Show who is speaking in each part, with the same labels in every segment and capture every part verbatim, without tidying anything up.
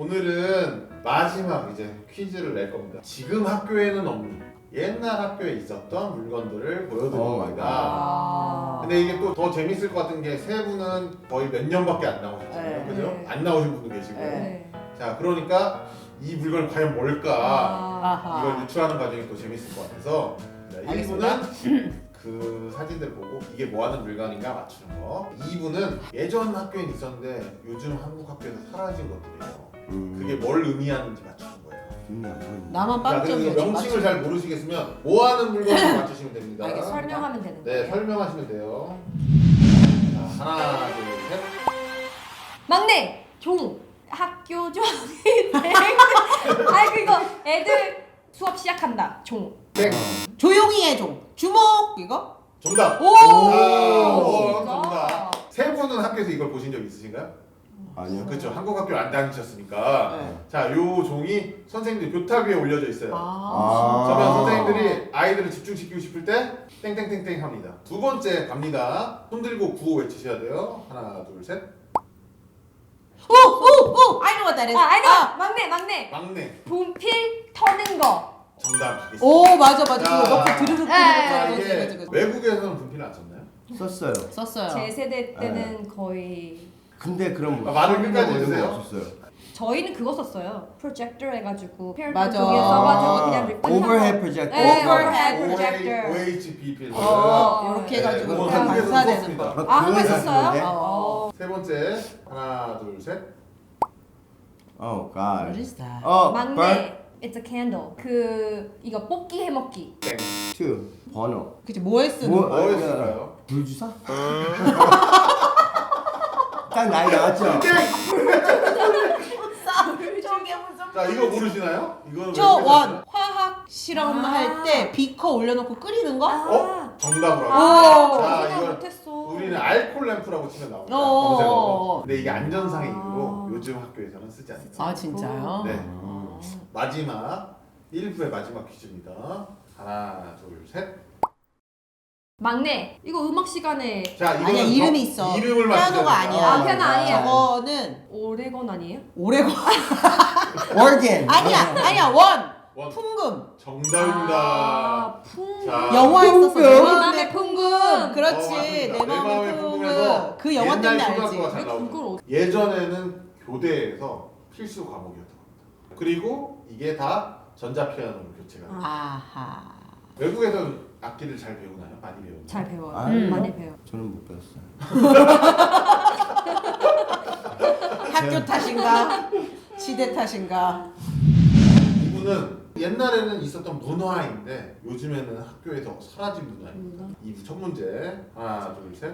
Speaker 1: 오늘은 마지막 이제 퀴즈를 낼 겁니다. 지금 학교에는 없는 옛날 학교에 있었던 물건들을 보여드릴
Speaker 2: 오
Speaker 1: 겁니다.
Speaker 3: 아.
Speaker 1: 근데 이게 또 더 재밌을 것 같은 게 세 분은 거의 몇 년밖에 안 나오셨잖아요.
Speaker 3: 네.
Speaker 1: 그죠?
Speaker 4: 네.
Speaker 1: 안 나오신 분도 계시고.
Speaker 3: 네.
Speaker 1: 자, 그러니까 이 물건이 과연 뭘까?
Speaker 3: 아하.
Speaker 1: 이걸 유추하는 과정이 또 재밌을 것 같아서 자, 일
Speaker 3: 알겠습니다.
Speaker 1: 부는 그 사진들 보고 이게 뭐 하는 물건인가 맞추는 거. 이 부는 예전 학교엔 있었는데 요즘 한국 학교에서 사라진 것들이에요.
Speaker 2: 음.
Speaker 1: 그게 뭘 의미하는지 맞추는 거예요.
Speaker 2: 음.
Speaker 3: 나만
Speaker 1: 자, 그리고
Speaker 3: 빵점이었지.
Speaker 1: 명칭을 잘 모르시겠으면 뭐 하는 물건인지 맞추시면 됩니다.
Speaker 3: 알겠습니다.
Speaker 4: 설명하면 되는
Speaker 1: 네,
Speaker 4: 거예요.
Speaker 1: 설명하시면 돼요. 자, 하나, 둘, 셋.
Speaker 4: 막내 종 학교 종인데 아이 그거 애들 수업 시작한다 종.
Speaker 1: 땡.
Speaker 3: 조용히 해 좀. 주목 이거?
Speaker 1: 정답.
Speaker 3: 오!
Speaker 1: 아, 오,
Speaker 4: 진짜?
Speaker 1: 정답. 세 분은 학교에서 이걸 보신 적 있으신가요?
Speaker 2: 아니요.
Speaker 1: 그렇죠. 한국 학교 안 다니셨으니까.
Speaker 3: 네.
Speaker 1: 자, 요 종이 선생님들 교탁 위에 올려져 있어요.
Speaker 3: 아.
Speaker 1: 그러면 선생님들이 아이들을 집중시키고 싶을 때 땡땡땡땡 합니다. 두 번째 갑니다. 손 들고 구호 외치셔야 돼요. 하나, 둘, 셋.
Speaker 3: 오오오 I know what that is.
Speaker 4: 아 아니다 막내 막내
Speaker 1: 막내.
Speaker 4: 분필 터는 거.
Speaker 1: 정답 가겠습니다.
Speaker 3: 오 맞아 맞아.
Speaker 1: 자,
Speaker 3: 그거 넣고 드르륵
Speaker 4: 네.
Speaker 1: 자,
Speaker 3: 드르륵
Speaker 1: 이게
Speaker 3: 드르륵.
Speaker 1: 외국에서는 분필 안 썼나요?
Speaker 2: 썼어요.
Speaker 3: 썼어요.
Speaker 4: 제 세대 때는 거의
Speaker 2: 근데 그럼
Speaker 1: 아, 말을 끝까지
Speaker 2: 이런 거
Speaker 1: 해주세요.
Speaker 2: 없었어요.
Speaker 4: 저희는 그거 썼어요. 프로젝터 해가지고
Speaker 3: 맞아.
Speaker 4: 두개 써가지고 그냥 리본
Speaker 2: Overhead projector.
Speaker 4: 네, overhead projector.
Speaker 1: 오에이치피 필름.
Speaker 3: 어, 이렇게
Speaker 1: 네,
Speaker 3: 해가지고
Speaker 1: 그거
Speaker 3: 그냥
Speaker 1: 한국에서
Speaker 3: 반사되는
Speaker 1: 썼습니다.
Speaker 3: 거.
Speaker 4: 아, 한국에
Speaker 2: 그거
Speaker 4: 썼어요?
Speaker 2: 했었는데?
Speaker 3: 어.
Speaker 1: 세 번째. 하나, 둘, 셋.
Speaker 2: Oh
Speaker 3: What
Speaker 2: God.
Speaker 3: is that?
Speaker 2: 어,
Speaker 4: 막내
Speaker 2: bird
Speaker 4: it's a candle. 그 이거 뽑기 해먹기.
Speaker 1: 땡.
Speaker 2: two 번호.
Speaker 3: 그치 뭐에 쓰는
Speaker 2: 뭐-
Speaker 3: 거?
Speaker 1: 뭐였을까요?
Speaker 2: 불주사? 딱 나이 나왔죠?
Speaker 3: 저게 무슨?
Speaker 1: 자, 이거 모르시나요? 이거는
Speaker 3: 저
Speaker 1: 왜
Speaker 3: 원 화학 실험
Speaker 4: 아.
Speaker 3: 할 때 비커 올려놓고 끓이는 거?
Speaker 1: 어? 정답으로.
Speaker 4: 아,
Speaker 3: 오.
Speaker 1: 자,
Speaker 4: 생각
Speaker 1: 이걸
Speaker 4: 못했어.
Speaker 1: 우리는 알콜 램프라고 치면 나옵니다.
Speaker 3: 어.
Speaker 1: 검색어로. 근데 이게 안전상의
Speaker 4: 아.
Speaker 1: 이유로 요즘 학교에서는 쓰지 않습니다.
Speaker 3: 아 진짜요?
Speaker 1: 네.
Speaker 3: 어.
Speaker 1: 마지막 일 부의 마지막 퀴즈입니다. 하나, 둘, 셋.
Speaker 4: 막내 이거 음악 시간에
Speaker 1: 자, 이거는
Speaker 3: 아니야 이름이
Speaker 1: 저-
Speaker 3: 있어.
Speaker 1: 이름을 맞추셔야
Speaker 3: 피아노가
Speaker 1: 됩니다.
Speaker 3: 아니야.
Speaker 4: 아, 피아노 아니에요.
Speaker 3: 저거는
Speaker 4: 오레건 아니에요?
Speaker 3: 오레고
Speaker 2: Organ.
Speaker 3: 아니야 아니야 원
Speaker 1: 원.
Speaker 3: 풍금
Speaker 1: 정답입니다.
Speaker 4: 아, 풍.
Speaker 1: 자,
Speaker 3: 영화 했었어.
Speaker 2: 풍금.
Speaker 3: 내
Speaker 4: 맘의
Speaker 3: 맘의
Speaker 4: 풍금.
Speaker 3: 풍금. 그렇지
Speaker 1: 어, 맞습니다.
Speaker 3: 내 맘의
Speaker 1: 풍금에서
Speaker 3: 풍금. 그 영화
Speaker 1: 옛날
Speaker 3: 때문에
Speaker 1: 초등학교가
Speaker 3: 알지.
Speaker 1: 잘
Speaker 4: 왜
Speaker 1: 나오죠.
Speaker 4: 그걸
Speaker 1: 예전에는 교대에서 필수 과목이었던 겁니다. 그리고 이게 다 전자피아노로 교체가 돼요.
Speaker 3: 아하.
Speaker 1: 외국에서는 악기를 잘 배우나요? 많이 배우나요?
Speaker 4: 잘 배워요.
Speaker 2: 아,
Speaker 4: 음, 많이 배워.
Speaker 2: 저는 못 배웠어요.
Speaker 3: 학교 탓인가? 시대 탓인가?
Speaker 1: 이분은 옛날에는 있었던 문화인데 요즘에는 학교에서 사라진 문화입니다.
Speaker 4: 문화?
Speaker 1: 이부 첫 문제. 하나, 둘, 셋.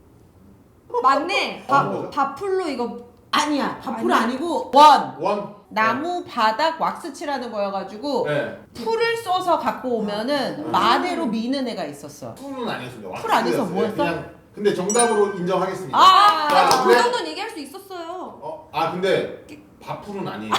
Speaker 4: 막내
Speaker 1: 아, 뭐죠?
Speaker 4: 바, 바풀로 이거
Speaker 3: 아니야 바풀
Speaker 4: 아니야.
Speaker 3: 아니고 원
Speaker 1: 원.
Speaker 3: 나무 바닥 왁스 칠하는 거여가지고
Speaker 1: 네.
Speaker 3: 풀을 써서 갖고 오면은
Speaker 1: 아.
Speaker 3: 마대로 미는 애가 있었어.
Speaker 1: 풀은 아니었습니다.
Speaker 3: 풀 아니어서
Speaker 1: 왁스였어요.
Speaker 3: 뭐였어?
Speaker 1: 그냥 근데 정답으로 인정하겠습니다.
Speaker 3: 아,
Speaker 1: 자,
Speaker 4: 그
Speaker 1: 근데-
Speaker 4: 정도는 얘기할 수 있었어요.
Speaker 1: 어, 아 근데 밥풀은 아니에요.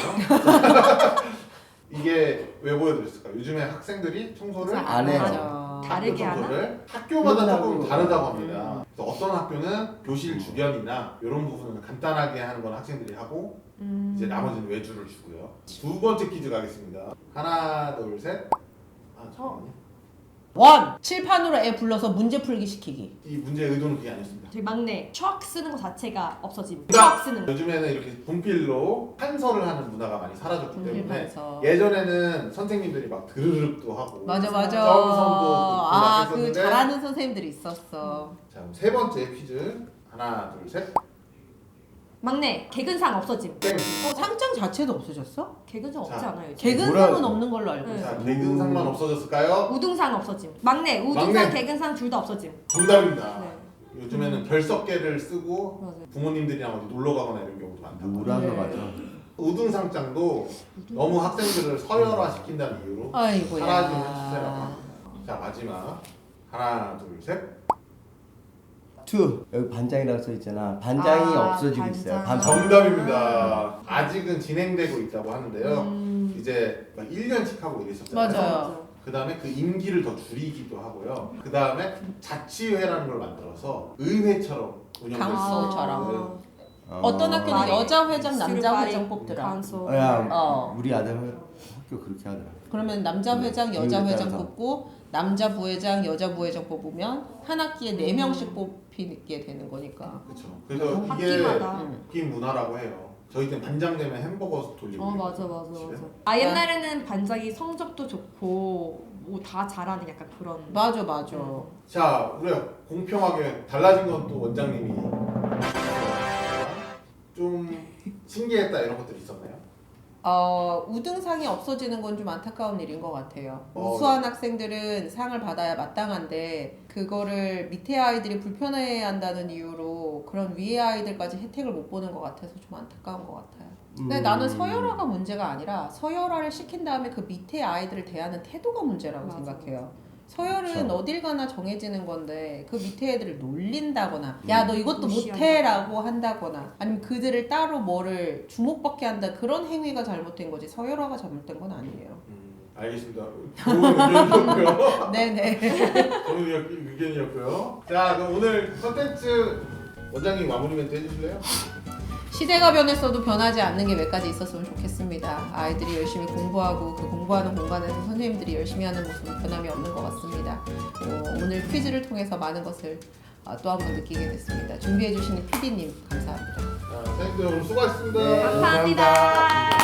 Speaker 1: 이게 왜 보여드렸을까요? 요즘에 학생들이 청소를
Speaker 2: 안 해요.
Speaker 3: 맞아.
Speaker 4: 다르게
Speaker 1: 학교
Speaker 4: 하나?
Speaker 1: 청소를 학교마다 조금
Speaker 2: 그러더라고요.
Speaker 1: 다르다고 합니다.
Speaker 3: 음.
Speaker 1: 그래서 어떤 학교는 교실 주변이나 이런 부분은 간단하게 하는 건 학생들이 하고
Speaker 4: 음.
Speaker 1: 이제 나머지는 외주를 주고요. 두 번째 퀴즈 가겠습니다. 하나, 둘, 셋. 아 잠깐만요.
Speaker 3: 원 칠판으로 애 불러서 문제 풀기 시키기.
Speaker 1: 이 문제의 의도는 그게 아니었습니다.
Speaker 4: 저희 막내 척 쓰는 거 자체가 없어짐.
Speaker 1: 그러니까
Speaker 4: 척 쓰는 거.
Speaker 1: 요즘에는 이렇게 분필로 판서를 하는 문화가 많이 사라졌기
Speaker 3: 분필
Speaker 1: 때문에
Speaker 3: 판서.
Speaker 1: 예전에는 선생님들이 막 드르륵도 하고
Speaker 3: 맞아 맞아.
Speaker 1: 점선도
Speaker 3: 아,
Speaker 1: 긋고 막
Speaker 3: 그
Speaker 1: 했었는데
Speaker 3: 잘하는 선생님들이 있었어.
Speaker 1: 자, 그럼 세 번째 퀴즈. 하나, 둘, 셋.
Speaker 4: 막내 개근상 없어짐.
Speaker 1: 땡.
Speaker 3: 어, 상장 자체도 없어졌어?
Speaker 4: 개근상 없지
Speaker 1: 자,
Speaker 4: 않아요? 요즘?
Speaker 3: 개근상은
Speaker 2: 뭐라고?
Speaker 3: 없는 걸로 알고
Speaker 4: 네.
Speaker 3: 있어.
Speaker 1: 자, 개근상만 없어졌을까요?
Speaker 4: 우등상 없어짐. 막내 우등상
Speaker 1: 막내.
Speaker 4: 개근상 둘 다 없어짐.
Speaker 1: 정답입니다.
Speaker 4: 네.
Speaker 1: 요즘에는 별석계를 쓰고
Speaker 4: 맞아요.
Speaker 1: 부모님들이랑 어디 놀러 가거나 이런 경우도 많다고.
Speaker 2: 노란 거
Speaker 3: 네.
Speaker 2: 맞아.
Speaker 1: 우등상장도 너무 학생들을 서열화시킨다는 이유로
Speaker 3: 아이고야.
Speaker 1: 사라지는 추세라고 합니다. 자, 마지막. 하나, 둘, 셋.
Speaker 2: two 여기 반장이라고 써 있잖아. 반장이
Speaker 4: 아,
Speaker 2: 없어지고
Speaker 4: 반장.
Speaker 2: 있어요. 반장.
Speaker 1: 정답입니다. 아직은 진행되고 있다고 하는데요.
Speaker 4: 음.
Speaker 1: 이제 막 일 년씩 하고 이랬었잖아요.
Speaker 3: 맞아요.
Speaker 1: 그 다음에 그 임기를 더 줄이기도 하고요. 그 다음에 자치회라는 걸 만들어서 의회처럼 운영될 수
Speaker 3: 강서처럼.
Speaker 1: 있는
Speaker 3: 어떤 학교는
Speaker 4: 많이
Speaker 3: 여자 회장, 남자
Speaker 4: student
Speaker 3: 회장
Speaker 4: body
Speaker 3: 뽑더라.
Speaker 4: council.
Speaker 2: 어, 야,
Speaker 3: 어.
Speaker 2: 우리 아들 학교 그렇게 하더라.
Speaker 3: 그러면 남자
Speaker 2: 음,
Speaker 3: 회장, 여자
Speaker 2: 이유에
Speaker 3: 회장
Speaker 2: 따라서.
Speaker 3: 뽑고 남자 부회장, 여자 부회장 뽑으면 한 학기에 네 명씩 뽑히게 되는 거니까.
Speaker 1: 그렇죠. 그래서 이게
Speaker 4: 학기마다.
Speaker 3: 음.
Speaker 1: 긴 문화라고 해요. 저희 때 반장 되면 햄버거 돌리고.
Speaker 4: 어 맞아 맞아
Speaker 1: 집에.
Speaker 4: 맞아. 아 옛날에는 반장이 성적도 좋고 뭐 다 잘하는 약간 그런.
Speaker 3: 맞아 맞아.
Speaker 1: 자, 우리가 공평하게 달라진 건 또 원장님이 좀 신기했다 이런 것들이 있었나요?
Speaker 3: 어, 우등상이 없어지는 건 좀 안타까운 일인 것 같아요.
Speaker 1: 어,
Speaker 3: 우수한 학생들은 상을 받아야 마땅한데 그거를 밑에 아이들이 불편해한다는 이유로 그런 위에 아이들까지 혜택을 못 보는 것 같아서 좀 안타까운 것 같아요. 근데
Speaker 2: 음.
Speaker 3: 나는 서열화가 문제가 아니라 서열화를 시킨 다음에 그 밑에 아이들을 대하는 태도가 문제라고
Speaker 4: 맞아,
Speaker 3: 생각해요. 서열은
Speaker 2: 그쵸.
Speaker 3: 어딜 가나 정해지는 건데 그 밑에 애들을 놀린다거나 야 너 이것도
Speaker 4: 무시한다.
Speaker 3: 못해라고 한다거나 아니면 그들을 따로 뭐를 주목받게 한다 그런 행위가 잘못된 거지 서열화가 잘못된 건 아니에요.
Speaker 1: 음, 알겠습니다. 좋은 의견이었고요.
Speaker 3: 네네.
Speaker 1: 좋은 의견이었고요. 자, 그럼 오늘 컨텐츠 원장님 마무리 멘트 해주실래요?
Speaker 3: 시대가 변했어도 변하지 않는 게 몇 가지 있었으면 좋겠습니다. 아이들이 열심히 공부하고 그 공부하는 공간에서 선생님들이 열심히 하는 모습은 변함이 없는 것 같습니다. 어, 오늘 퀴즈를 통해서 많은 것을 어, 또 한 번 느끼게 됐습니다. 준비해주시는 피디님 감사합니다.
Speaker 1: 자, 선생님들 오늘 수고하셨습니다.
Speaker 2: 네.
Speaker 4: 감사합니다.